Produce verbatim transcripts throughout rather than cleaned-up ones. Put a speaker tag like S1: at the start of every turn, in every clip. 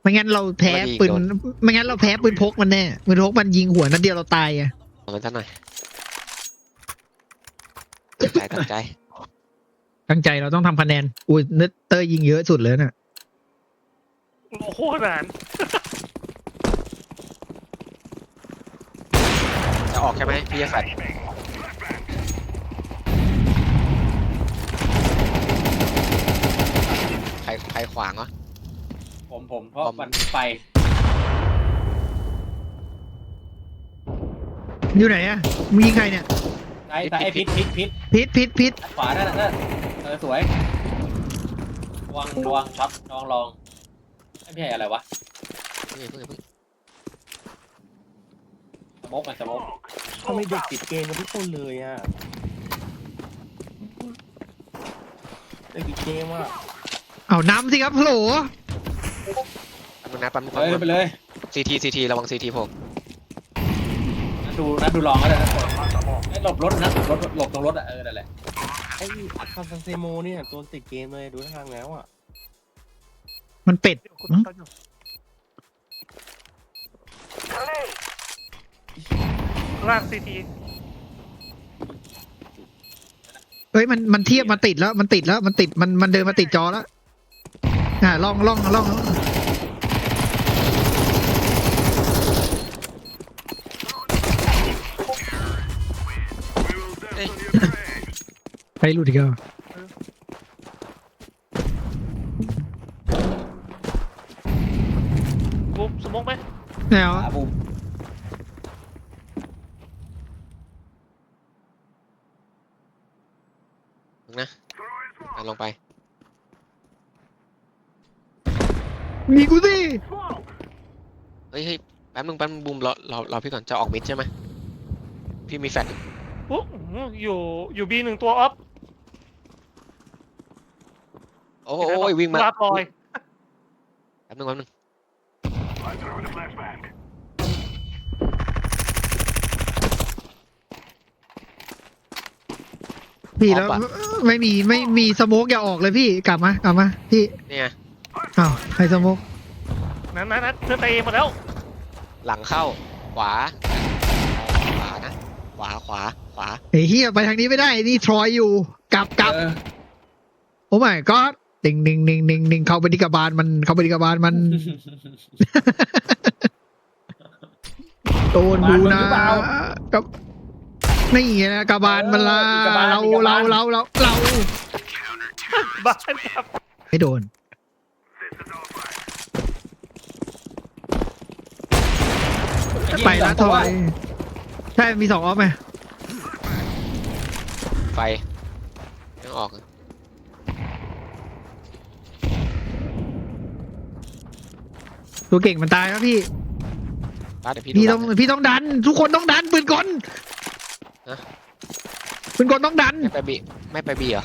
S1: ไม่งั้นเราแพ้ปืนไม่งั้นเราแพ้ปืนพกมันแน่ปืนพกมันยิงหัวนัดเดียวเราตายอ่ะ
S2: เอามันซะหน่อยตั้งใจตั้งใจ
S1: ตั้งใจเราต้องทำคะแนนอุ้ยเนตเตอร์ยิงเยอะสุดเลยน่ะ
S3: โอ้โหนาน
S2: จะออกใช่ไหมพี่จะแฟดใครใครขวางวะ
S4: ผมผมเพราะ
S2: ผม
S4: มันไป
S1: อยู่ไหนอ่ะมึงยิงใครเนี่ย
S4: ไอ้แต่ไอ้พิษพิษพิษ
S1: พิษพิษพิษ
S4: ขวานั่นน่ะนั่นเออสวยระวังระวังช็อตลองลองไม่ใช่อะไรวะ
S2: เพิ่งเพิ่งเพิ่ง
S4: สโมกมันสโมก
S5: ทำไมเด็กติดเกมกันทุกคนเลยอ่ะเด็กติดเกมอ่ะ
S1: เอาน้ำสิครับโหล
S2: แป๊บนึงนะแป๊บนึง
S4: ไปเลยไปเลย
S2: ซีทีซีทีระวังซีทีผม
S4: นัดดูนัดดูลองก็ได้นะไอ้หลบรถนะหลบรถหลบตรงรถอ่ะเออนั่นแหละ
S5: ไอ้อาคาซันเซโมเนี่ยตัวติดเกมเลยดูทางแล้วอ่ะ
S1: มันเป็ด
S3: คุณ
S1: หึ
S3: ต้นอยู่ล่างซีที
S1: เฮ้ยมันมันเทียบมันติดแล้วมันติดแล้วมันติดมันมันเดินมาติดจอแล้วอ่าล่องล่องล่อง
S2: เอ้ย
S1: ไปหลุดอีกแล้ว
S3: บุ๊บสมองไหม
S1: แนว
S4: ขาบูม
S2: มึงนะอ่ะลงไป
S1: มีกูสิ
S2: เฮ้ยเฮ้ยแป๊บนึงแป๊บนึงบูมรอรอรอพี่ก่อนจะออกมิดใช่ไหมพี่มีแฟด
S3: บุ๊บอยู่อยู่บีหนึ่งตัวออฟ
S2: โอ้ยวิ่งมา
S3: ลาปลอย
S2: แป๊บนึงแป๊บนึง
S1: พี่แล้วไม่มีไม่มีสโมกอย่าออกเลยพี่กลับมากลับมาพี่
S2: เนี่ย
S1: อ้าวใครสโมก
S3: นั้นนั้นนั้นเธอเตะหมดแล้ว
S2: หลังเข้าขวาขวานะขวาขวาขวา
S1: ไอ้เฮียไปทางนี้ไม่ได้นี่ทรอยอยู่กลับกลับ
S4: เออ
S1: โอ้ไม่ก็ดิ่งดิ่งดิ่งดิ่งดิ่งเข้าไปที่กระบาลมันเข้าไปที่กระบาลมัน โดนดูนะกับนี่ไงนะกระบาลมันละเราเราเราเราเรา
S3: บ้านครับ
S1: ไม่โดนไปละทอยใช่มีสองออฟไหม
S2: ไฟยังออกเลย
S1: ตัวเก่งมันตายแล้วพี่
S2: ป้าเดี๋ยวพี่
S1: พี่
S2: ดู
S1: ต้อง
S2: หลัง
S1: พี่ต้องดัน ทุกคนต้องดันปืนกล
S2: นะ
S1: ปืนกลต้องดัน
S2: ไม่ไปบีไม่ไปบีเหรอ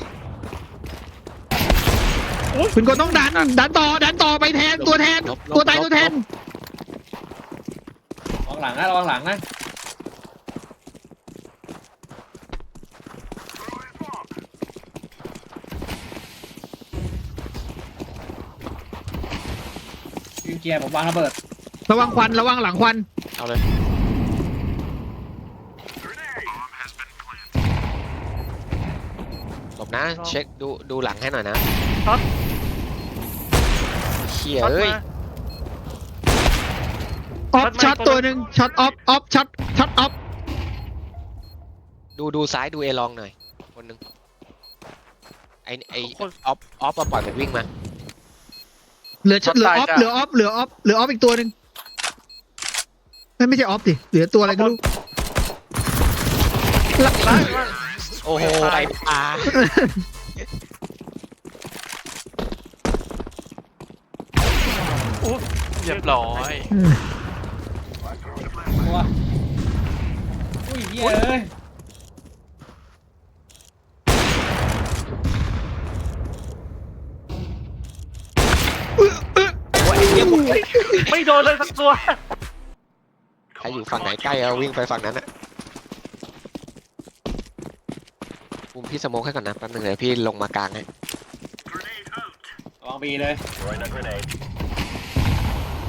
S1: ปืนกลต้องดัน ดันต่อดันต่อไปแทนตัวแทน
S2: ลบลบ
S1: ตัวตาย
S2: ลบ
S1: ตัวแทน
S4: ระวังหลังนะระวังหลังนะยิงเกียร์ผมวางระเบิด
S1: ระวังควันระวังหลังควัน
S2: เอาเลยหลบนะเช็คดูดูหลังให้หน่อยนะ
S3: ช็อต
S2: เขี่ย
S3: ช็อต
S2: เอ้ย
S3: มา
S1: ออฟช็อตตัวหนึ่งช็อตออฟออฟช็อตช็อตออฟ
S2: ดูดูซ้ายดูเอลองหน่อยคนหนึ่งไอไอ
S3: คน
S2: ออฟออฟมาปล่อยมันวิ่งมา
S1: เหลือเหลือออฟเหลือออฟเหลือออฟเหลือออฟอีกตัวหนึ่งไม่ไม่ใช่ออฟดิเหลือตัวอะไรก็รู้
S3: ล่างล่าง
S2: โอ้โหไอปลา
S3: อุ๊ย
S6: เรียบร้อย
S1: อืม
S4: ตัวอุ้ยเหี้ยเอ้ย
S3: ไม่โดนเลยสักตัว
S2: ใครอยู่ฝั่งไหนใกล้เอาวิ่งไปฝั่งนั้นอะปุมพี่สโมกให้ก่อนนะแป๊บนึงเดี๋ยวพี่ลงมากลางให้
S4: ระวังบีเลย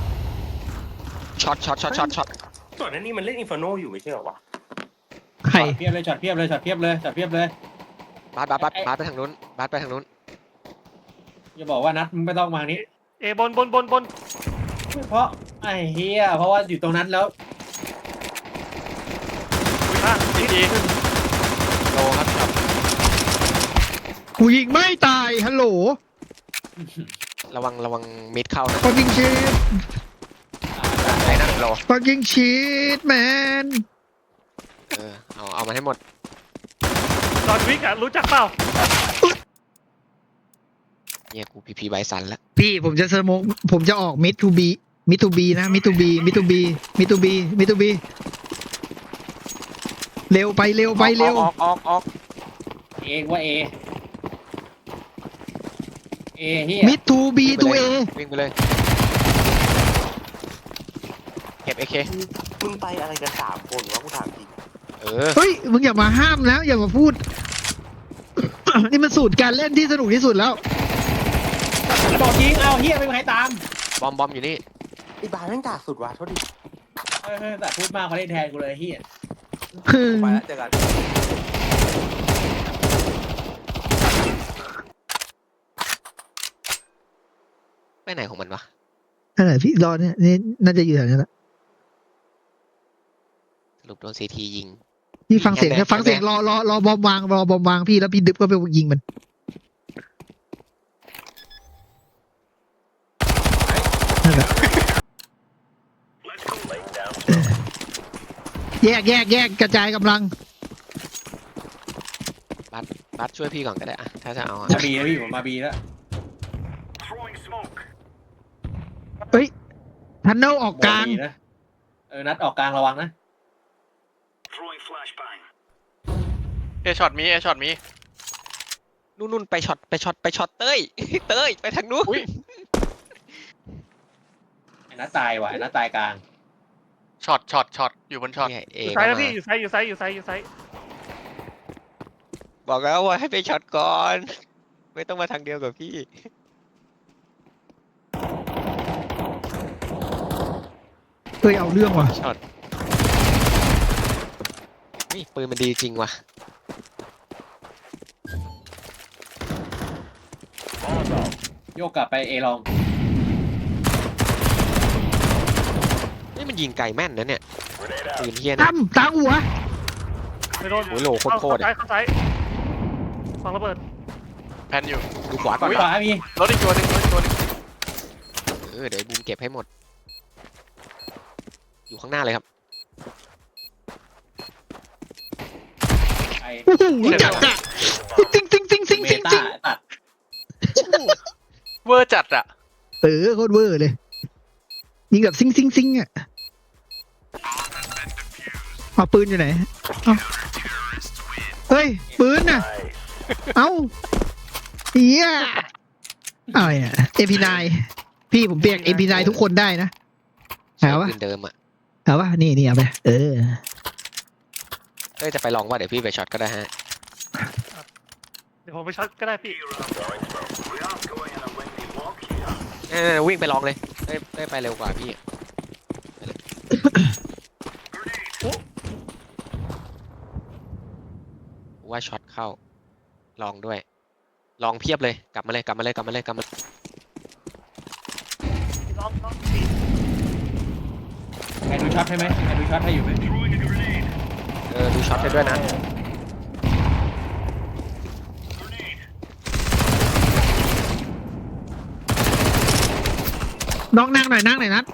S2: อตช็อตช็อตช็อตช็อต
S6: ส่วนนั้นนี่มันเล่นอินฟ r โนอยู่ไม่ใช่เหรอวะ
S1: ใคร
S4: ช็อตเพียบเลยช็อตเพียบเลยช็อตเพียบเลยช็อตเพียบเลย
S2: บาสบาสบาสบาสไปทางนู้นบาสไปทางนู้น
S4: อย่าบอกว่านัดมึงไม่ต้องมานี้
S3: เอบนบนบนบน
S4: เพราะไอ้เฮียเพราะว่าอยู่ตรงนั้นแล้ว
S3: อ่ะทีที
S2: โลครับครับ
S1: กูยิงไม่ตายฮัลโหล
S2: ระวังระวังมิดเข้านะ
S1: fucking shit
S2: ไอ้นั่นโล
S1: fucking shit man
S2: เออเอาเอามาให้หมด
S3: จอห์นวิกอะรู้จักเปล่า
S2: เนี่ยกูพีพีไบสันแล้ว
S1: พี่ผมจะสโมกผมจะออกมิดทูบีมิดทูบีนะมิดทูบีมิดทูบีมิดทูบีมิดทูบีเร็วไปเร็วไปเร็ว
S2: ออกออกออก
S4: เอว่าเอเอเฮีย
S1: มิดทูบีทูเอ
S2: วิ่งไปเลยเก็บเอเค
S6: มึงไปอะไรกันสามคนวะกูถามจริง
S2: เออ
S1: เฮ้ยมึงอย่ามาห้ามนะอย่ามาพูด นี่มันสูตรการเล่นที่สนุกที่สุดแล้ว
S4: บอกยิงเอาเฮียไม่มีใครตาม
S2: บอมบอมอยู่นี่
S6: ไอ้บาร์แม่งกากสุดวะโทษดิ
S4: เออแต่พูดมากเขาเล่นแทนกูเลยเฮีย
S6: ไปแล้วเจอกัน
S2: ไปไหนของมันวะ
S1: นั่นแหละพี่รอเนี่ยนี่น่าจะอยู่แถวนี้แหละ
S2: สรุปโดนซีทียิง
S1: พี่ฟังเสียง
S2: แน่ๆ
S1: ฟังเสียงรอรอรอบอมวางรอบอมวางพี่แล้วพี่ดึบก็ไปยิงมันนั่นแหละแยกแยกแยกกระจายกำลัง
S2: บัสช่วยพี่ก่อนก็ได้อะถ้าจะเอาอะ
S4: มาบีแล้วพี่ผมมาบีแล้ว
S1: เฮ้ยทันเนลออกกลาง
S4: บีนะเออนัดออกกลางระวังนะ
S3: เอช็อตมีเอช็อตมี
S2: นู่นนู่นไปช็อตไปช็อตไปช็อตเต้ย เต้ยไปทางนู้น
S4: ไอ้นัดตายว่ะไอ้นัดตายกลาง
S3: ช็อตช็อตช็อตอยู่บนช็อต
S2: เนี่ยเอ
S3: อยู่
S2: ก็
S3: ซ้ายแล้ว
S2: มา
S3: พี่อยู่ซ้ายอยู่ซ้ายอยู่ซ้ายอยู่ซ้าย
S2: บอกแล้วว่าให้ไปช็อตก่อน ไม่ต้องมาทางเดียวกับพี่
S1: เฮ้ยเอาเรื่องว่ะ
S2: ช็อตนี่ปืนมันดีจริงว่ะ
S4: โยกกลับไปเอลอง
S2: นี่มันยิงไกลแม่นนะเนี่ยปืนเฮี้ยนะ
S1: ตั้มตางหัว
S3: ไม่โดน
S2: โอ้ยโหลโคตรโคตร
S3: เข้า
S2: อะ
S3: ซ้ายเข้าซ้ายฟังระเบิด
S7: แพนอยู่
S2: ดูขวาก่อน
S4: ขวามี
S7: รถอีกตัวหนึ่งรถอีกตัวหนึ่ง
S2: เออเดี๋ยวไอ้บูมเก็บให้หมด อยู่ข้างหน้าเลยครับ
S4: ไอ
S1: โอ้โหจัดอะซิงซิงซิงซิง
S4: เม
S1: ซิง
S4: ตา
S1: ซิง
S4: ตัด
S7: เวอร์จัดอะ
S1: เออโคตรเวอร์เลยยิงแบบซิงซิงซิงอ่ะเอาปืนอยู่ไหนเอาเฮ้ยปืนน่ะเอาเฮียอะไรอ่ะเอพีนายพี่ผมเปียกเอพีนายทุกคนได้นะ
S2: ใช้
S1: เอาวะ
S2: ปืนเดิมอ่ะ
S1: เอาวะนี่นี่เอาไปเออ
S2: เอ้ยจะไปลองว่าเดี๋ยวพี่ไปช็อตก็ได้ฮะ
S3: เดี๋ยวผมไปช็อตก็ได้พี่
S2: เออวิ่งไปลองเลยได้ได้ไปเร็วกว่าพี่ไปเลยว่าช็อตเข้า ลองด้วย ลองเพียบเลย กลับมาเลย กลับมาเลย กลับมาเลย กลับมา
S3: ลองลอง
S4: ใครดูช็อตให้ไหมใครดูช็อตให้อยู่ไหม
S2: เออ ดูช็อตให้ด้วยนะ
S1: น้องนั่งหน่อยนั่งหน่อยนัด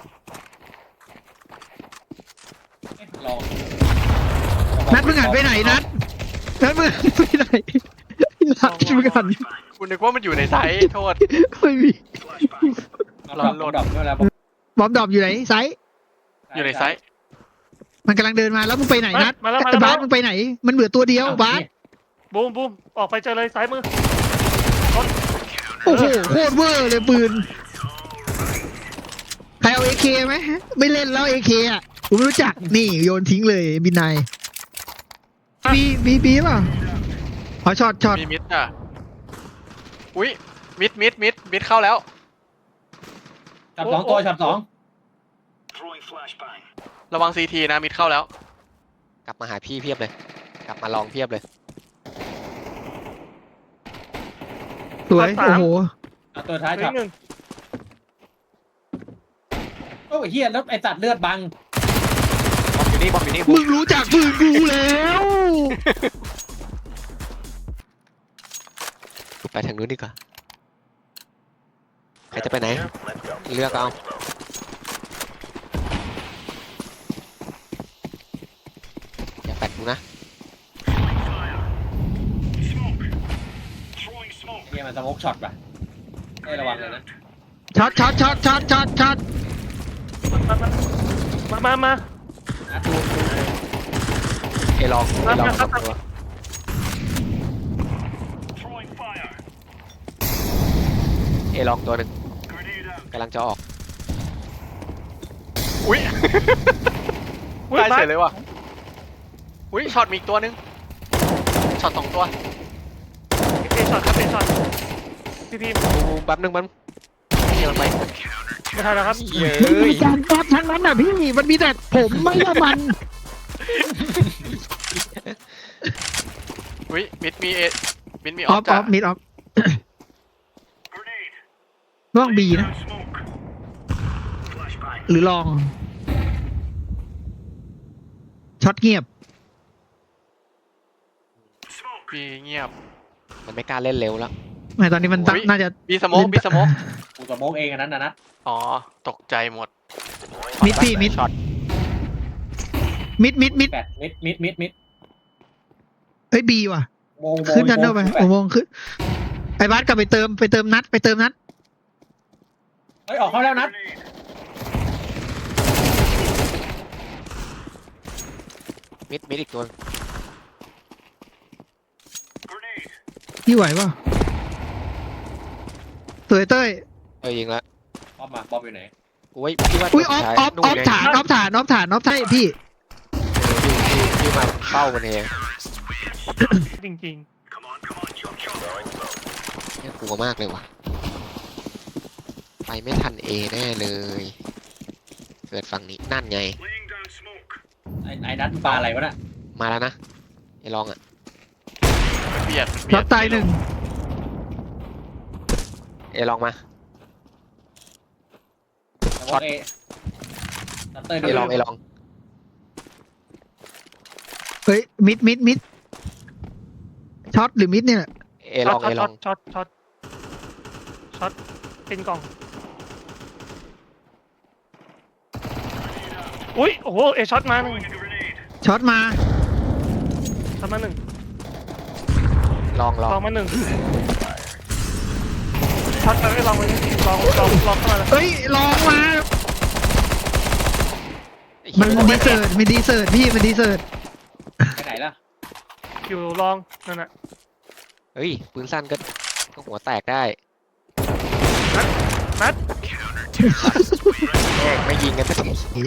S4: ลอง
S1: นัดมึงหันไปไหนนัดนัดมึงหันไปไหนนัดมึงหัน
S7: คุณนึกว่ามันอยู่ในไซส์โทษ
S1: ไม่มี
S4: ลองโหลดดอกด้วยแล้ว
S1: บอมดรอปอยู่ไหนไซส์
S7: อยู่ในไซส์
S1: มันกำลังเดินมาแล้วมึงไปไหนนัด
S3: มาแล้วมา
S1: ไอ้
S3: แล้ว
S1: บาสมึงไปไหน มันเหลือตัวเดียวบาส
S3: บูมบูมออกไปเจอเลยซ้ายมือ
S1: โอ้โหโคตรเวอร์เลยปืนใครเอาเอเคไหมไม่เล่นแล้วเอเคอ่ะกูไม่รู้จักนี่โยนทิ้งเลยบินนายบีบีบีป่ะเอาช็อตช็อต
S7: มีมิดอ่ะอุ้ยมิดมิดมิดมิดเข้าแล้ว
S4: ช็อตสองตัวช็อตสอง
S7: ระวังซีทีนะมิดเข้าแล้ว
S2: กลับมาหาพี่เพียบเลย กลับมาลองเพียบเลย
S1: สวย โอ้โห
S4: เอาตัวท้าย
S3: เหลื
S4: ช็
S3: อ
S4: อต
S3: อีกหนึ่ง
S4: โอ้ยเฮียแล้วไอ้สัตว์เลือดบัง
S2: บอมอยู่นี่บอมอยู่นี่
S1: มึงรู้จักปืนกูแล้ว
S2: ไปทางนู้นดีกว่าใครจะไปไหน เลือกเอา อย่าแปดกูนะ
S4: เฮียมันสโมกช็อตป่ะให้ระวังเลยนะ
S1: ช็อตช็อตช็อตช็อตช็อตช็อต
S3: มามามา
S4: นัดดูดู
S2: เอลองเอลองสองตัวเอลองตัวหนึ่งกำลังจะออก
S7: อุ้ย
S3: อุ้ย
S7: ตาย
S3: บา
S7: เฉ
S3: ส
S7: ยเลยว่ะอุ้ยช็อตมีอีกตัวหนึงช็อตสองตัว
S3: เอช็อตครับเอช็อตพี่พีม
S2: บูมแป๊บนึงมันนี่มันไป
S3: ไม่ทันแล้วครับ
S2: เย้
S1: มันมี
S2: ย
S1: การก๊อปทั้งนั้นอ่ะพี่ มันมีแต่ผมไม่ใช่มัน
S7: อุ้ยมิดมีเอมิดมีอ
S1: อ
S7: อ
S1: อ
S7: ฟ
S1: ฟอ
S7: จ้ะ
S1: อฟมิดออฟล่องบีนะ หรือลอง ช็อตเงียบ
S7: บีเงียบ
S2: มันไม่กล้าเล่นเร็วแล้ว
S1: ไม่ตอนนี้มันตั้ง
S7: อุ๊ย
S1: น่าจะ
S7: บีสโมกบีสโมก
S4: กูสโมกเองอันนั้นนะนัด
S7: อ๋อตกใจหมด
S1: มิดพี่มิด
S2: ช็อต
S1: มิดมิดมิด
S4: แปดมิดมิดมิดมิด
S1: เฮ้ยบีว่ะ
S4: โมงโมง
S1: ขึ้นดันเนอร์ไป
S4: แป
S1: โอ้
S4: ด
S1: โมงขึ้น ไอ้บาสกลับไปเติมไปเติมนัดไปเติมนัด
S4: เฮ้ยออกเข้าแล้วนัด
S2: มิดมิดอีกตัว
S1: พี่ไหวป่ะสวยเต้ย
S2: เออยิงละ
S4: บอมมาบอมอยู่ไหน
S2: กูว่าพี่ว่า
S1: อุ้ยอ
S2: ตัว
S1: อฟ
S2: สุดท้าย
S1: ออฟ
S2: นู่
S1: อน อฟ
S2: ไง
S1: ฐานออฟฐานออฟฐานออฟใช่พี่
S2: พี่พี่พี่มาเป้ามันเอง
S3: จริง
S2: เนี่ยกลัวมากเลยว่ะ ไปไม่ทันเอแน่เลย เกิดฝั่งนี้นั่นไง
S4: ไอ้ไอ้นัดปลาอะไรวะน่ะ
S2: มาแล้วนะไอ้ลองอ่ะ
S7: มันเบียดมันเบี
S1: ช็
S7: ย
S1: อ
S7: ด
S1: ตตายหนึ่ง
S2: เอลองมา
S4: สโมกเอตัดเตอร์
S2: เอลองเอลอง
S1: เฮ้ยมิดมิดมิดช็อตหรือมิดเนี่ย
S2: เอ
S3: ๆ
S2: ลองเอล
S3: ช็
S2: อ
S3: อง ตช็อตช็อตช็อตเป็นกล่อง อุ้ยโอ้โหเอช็อตมาหนึ่ง
S1: ช็อตมา
S3: ช็อตมาหนึ่ง
S2: ลองลอง
S3: ลองมาหนึ่งช็อตมาไม่ลองมาลองลองลองเข้ามาเลย
S1: เฮ้ยลองมา มันดีเซิร์ตมันดีเซิร์ตพี่มันดีเซิร์ต
S4: ไปไหนล่ะ
S3: อยู่ลองนั่นน่ะ
S2: เฮ้ยปืนสั้นก็ก็หัวแตกได้
S3: นัด
S2: แม่งไม่ยิงกันสักที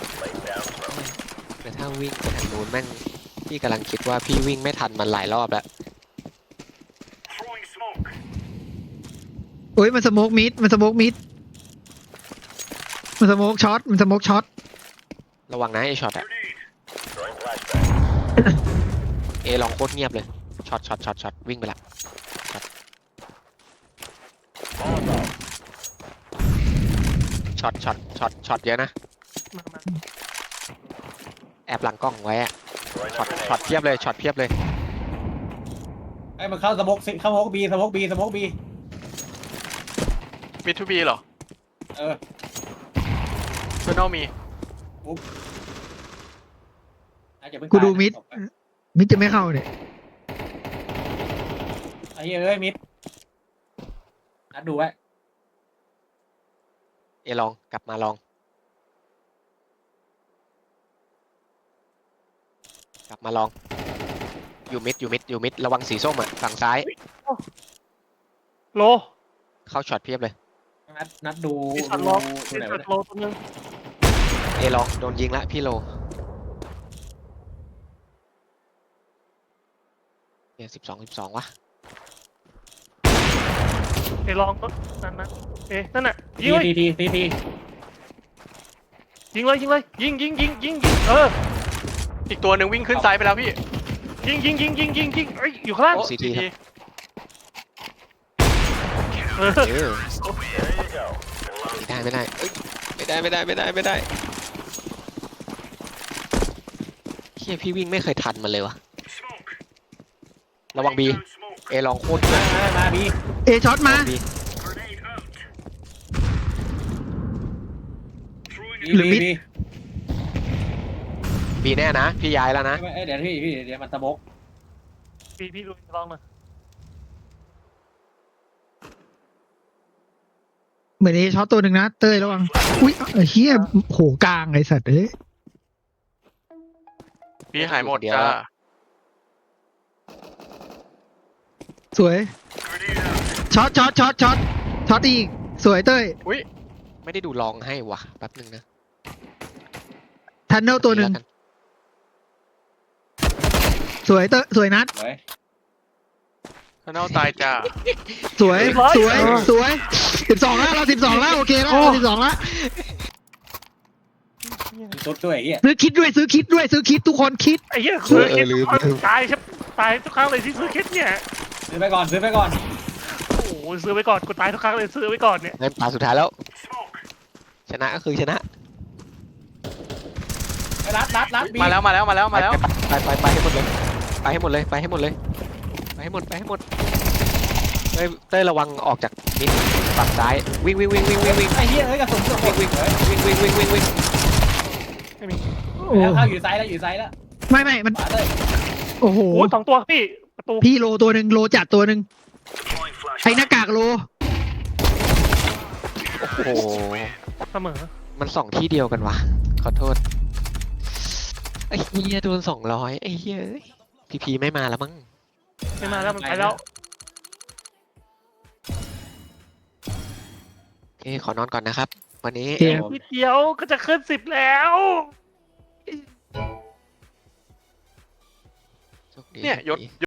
S2: แต่ถ้าวิ่งไปทางนู้นแม่งพี่กำลังคิดว่าพี่วิ่งไม่ทันมันหลายรอบแล้ว
S1: โอ้ยมันสโมกมิดมันสโมกมิดมันสโมกช็อตมันสโมกช็อต
S2: ระวังนะไอช็อตอะเอลองโคตรเงียบเลยช็อตช็อตช็อตช็อตวิ่งไปละช็อตช็อตช็อตช็อตเยอะนะ
S3: มามา
S2: แอบหลังกล้องไว้อะช็อตช็อตเพียบเลยช็อตเพียบเลย
S4: ไอ้มันเข้าสโมกเข้าสโมกบีสโมกบีสโมกบี
S7: มิดทูบีเหรอ
S4: เออ
S7: เพื่อนเอามี
S4: อาจจะเพิ่ง
S1: กูดู
S4: ตายนะ
S1: มิดมิดจะไม่เข้าเนี่ย
S4: ไอ้เหี้ยเอ้ยมิดนัดดูไว้
S2: เอลองกลับมาลอง กลับมาลอง อยู่มิดอยู่มิดอยู่มิดระวังสีส้มอ่ะฝั่งซ้าย
S3: โล
S2: เข้าช็อตเพียบเลย
S4: นัดนัดดู
S3: เอ
S4: ดู
S3: ช็อตลอง
S4: ดู
S3: เอ
S4: ไหน
S3: ช็อ
S4: วะ
S3: ต
S4: เนี่ย
S3: โลตัวนึง
S2: เอลองโดนยิงละพี่โลเนี่ยสิบสองสิบสองวะ
S3: เอลองก็นั่นนะเอนั่นน่ะยิ
S4: ที
S3: งไว้
S4: ทีทีทีที
S3: ยิงเลยยิงเลยยิงยิงยิงยิงยิงเออ
S7: อีกตัวหนึ่งวิ่งขึ้นซ้ายไปแล้วพี่
S3: ยิงยิงยิงยิงยิงยิงเอ้ยอยู่ข้างล่าง
S7: โอ้
S2: ซี
S7: ซี
S2: ที
S7: ที
S3: เออ
S2: เออไม่ได้ไม่ได้เอ้ยไม่ได้ไม่ได้ไม่ได้ไม่ได้เฮียพี่วิ่งไม่เคยทันมันเลยวะระวังบีเอลองโคตรเย
S4: มา
S2: อะ
S4: มามาบี
S1: เอช็อตมา
S2: บี
S1: หรือมิด
S4: บี
S2: บีแน่นะพี่ย้ายแล้วนะ
S4: เอ้ยเดี๋ยวพี่พี่เดี๋ยวมันตะบก
S3: พี่พี่ดูลองมา
S1: เหมือนเอช็อตตัวหนึ่งนะเต้ยระวังอุ้ยเอ้ยเฮียโหกลางไอสัตว์เอ้ย
S7: พี่หายหมดจ้า
S1: สวยช็อตช็อตช็อตช็อตช็อตอีกสวยเต้ย
S7: อุ้ย
S2: ไม่ได้ดูลองให้วะแป๊บนึงนะ
S1: ทันเนลตัวหนึ่ง
S2: แล้กั
S1: สวยเต้ยสวยนัด
S4: เฮ้ย
S7: ข้างนอกตายจ้า
S1: สวยสวยสวยสิบสองแล้วเราสิบสองแล้วโอเคแล้วเราสิบสองแล้ว
S4: สุดด้วยไอ้เหี้ย
S1: ซื้อคิดด้วยซื้อคิดด้วยซื้อคิดทุกคนคิด
S3: ไอ้เหี้ยซื้อคิดตายใช่ตายทุกครั้งเลยที่ซื้อคิดเนี่ย
S4: ซื้อไปก่อนซื้อไปก่อน
S3: โอ้โหซื้อไว้ก่อนกูตายทุกครั้งเลยซื้อไว้ก่อนเนี่ย
S2: เล่นตาสุดท้ายแล้ว ชนะก็คือชนะ
S4: ไปรัดรัดรัดบี
S7: มาแล้วมาแล้วมาแล้วมาแล้ว
S2: ไปไปไปไปให้หมดเลยไปให้หมดเลยไปให้หมดเลยไปให้หมดไปให้หมดเต้ยเต้ยระวังออกจากมิดฝั่งซ้ายวิ่งวิ่งวิ่งวิ่งวิ่งวิ่ง
S4: ไอ้เหี้ยเอ้ยกระสุนเกือบหมดวิ่งเฮ้ย
S2: วิ่งวิ่งวิ่งวิ่งวิ่ง
S1: โอ้
S4: แล้วเข้าอยู่ซ้ายแล้วอยู่ซ้ายแล้ว
S1: ไม่ไม่มัน
S4: ขวาเลย
S1: โอ้โห
S3: โอ้สองตัวพี่ประตู
S1: พี่โลตัวหนึ่งโลจัดตัวหนึ่งไอ้หน้ากากโล
S2: โอ้โห
S3: เสมอ
S2: มันสองที่เดียวกันวะขอโทษไอ้เฮียโดนสองร้อยไอ้เฮียพีพีไม่มาแล้วมั้ง
S3: ไม่มาแล้วมันไปแล้ว
S2: โอเคขอนอนก่อนนะครับ วันนี้
S1: โอเค
S3: นิดเดียวก็จะขึ้นสิบแล้ว
S2: โชคดี
S7: เนี่ย
S2: โชค
S7: ยศ
S2: ดี